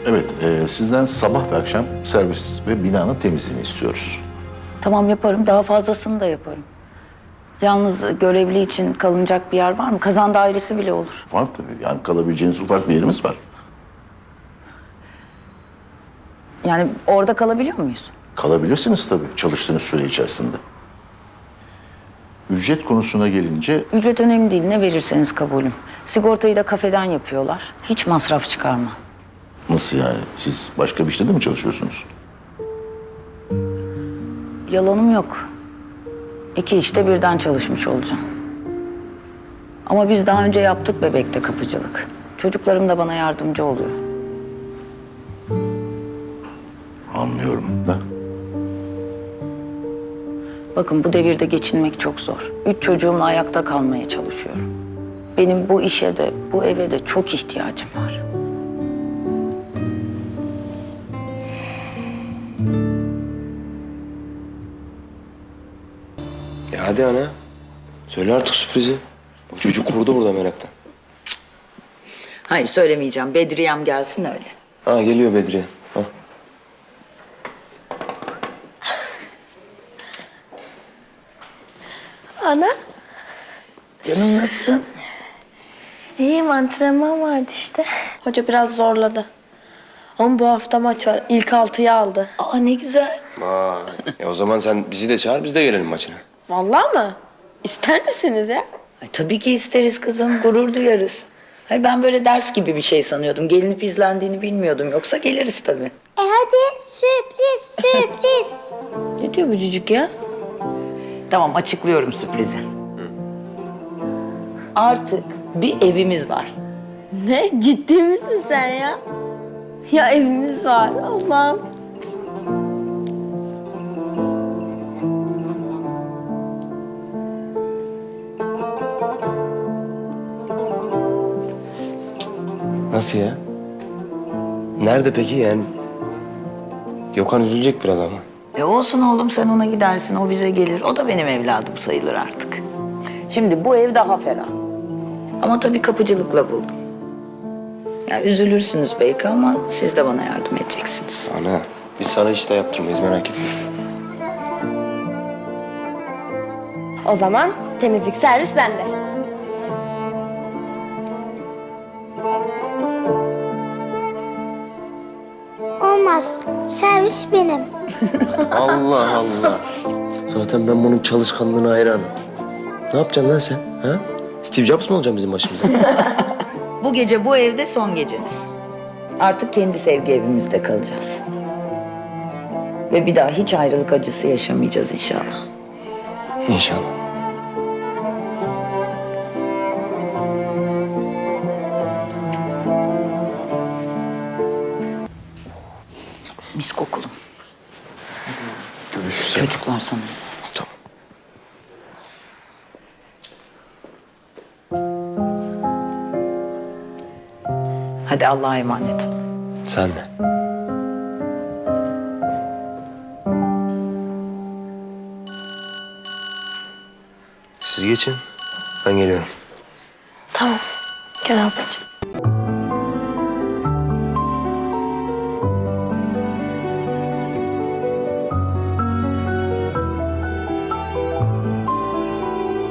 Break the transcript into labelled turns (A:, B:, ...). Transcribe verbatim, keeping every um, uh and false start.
A: Evet, e, sizden sabah ve akşam servis ve binanın temizliğini istiyoruz.
B: Tamam yaparım. Daha fazlasını da yaparım. Yalnız görevli için kalınacak bir yer var mı? Kazan dairesi bile olur.
A: Var tabii, yani kalabileceğiniz ufak bir yerimiz var.
B: Yani orada kalabiliyor muyuz?
A: Kalabilirsiniz tabii çalıştığınız süre içerisinde. Ücret konusuna gelince
B: Ücret önemli değil. Ne verirseniz kabulüm. Sigortayı da kafeden yapıyorlar. Hiç masraf çıkarma.
A: nasıl yani? Siz başka bir işte de mi çalışıyorsunuz?
B: Yalanım yok. İki işte birden çalışmış olacağım. Ama biz daha önce yaptık bebekte kapıcılık. Çocuklarım da bana yardımcı oluyor.
A: Anlıyorum da.
B: Bakın bu devirde geçinmek çok zor. Üç çocuğumla ayakta kalmaya çalışıyorum. Benim bu işe de, bu eve de çok ihtiyacım var.
C: Ya hadi ana. Söyle artık sürprizi. Bak çocuk kurdu burada meraktan.
B: Hayır söylemeyeceğim. Bedriyem gelsin öyle.
C: Ha geliyor Bedriye. Ha.
D: Ana,
B: Canım nasılsın?
D: iyiyim, antrenman vardı işte. Hoca biraz zorladı. Ama bu hafta maç var. İlk altıyı aldı.
B: Aa ne güzel.
C: Vay. E o zaman sen bizi de çağır biz de gelelim maçına.
D: Vallahi mı? İster misiniz ya?
B: Ay, tabii ki isteriz kızım. Gurur duyarız. Hayır ben böyle ders gibi bir şey sanıyordum. Gelinip izlendiğini bilmiyordum. Yoksa geliriz tabii.
E: E hadi sürpriz sürpriz.
D: Ne diyor bu cücük ya?
B: Tamam açıklıyorum sürprizi. Artık bir evimiz var.
D: Ne? Ciddi misin sen ya? Ya evimiz var. Allah'ım.
C: Nasıl ya? Nerede peki yani? Gökhan üzülecek biraz ama.
B: E olsun oğlum sen ona gidersin. O bize gelir. O da benim evladım sayılır artık. Şimdi bu ev daha ferah. Ama tabii kapıcılıkla buldum. Ya üzülürsünüz belki ama siz de bana yardım edeceksiniz.
C: Ana biz sana işte yaptırmayız merak etme.
D: O zaman temizlik servis bende.
E: Olmaz. Servis benim.
C: Allah Allah. Zaten ben bunun çalışkanlığına hayranım. Ne yapacaksın lan sen? Ha? Steve Jobs mı olacaksın bizim başımıza?
B: Bu gece bu evde son geceniz. Artık kendi sevgi evimizde kalacağız. Ve bir daha hiç ayrılık acısı yaşamayacağız inşallah.
C: İnşallah.
B: Mis kokulum.
C: Görüşürüz.
B: Çocuklar sana.
C: Tamam.
B: Hadi Allah'a emanet ol.
C: Sen de. Siz geçin. Ben geliyorum.
D: Tamam. Gel ablacığım.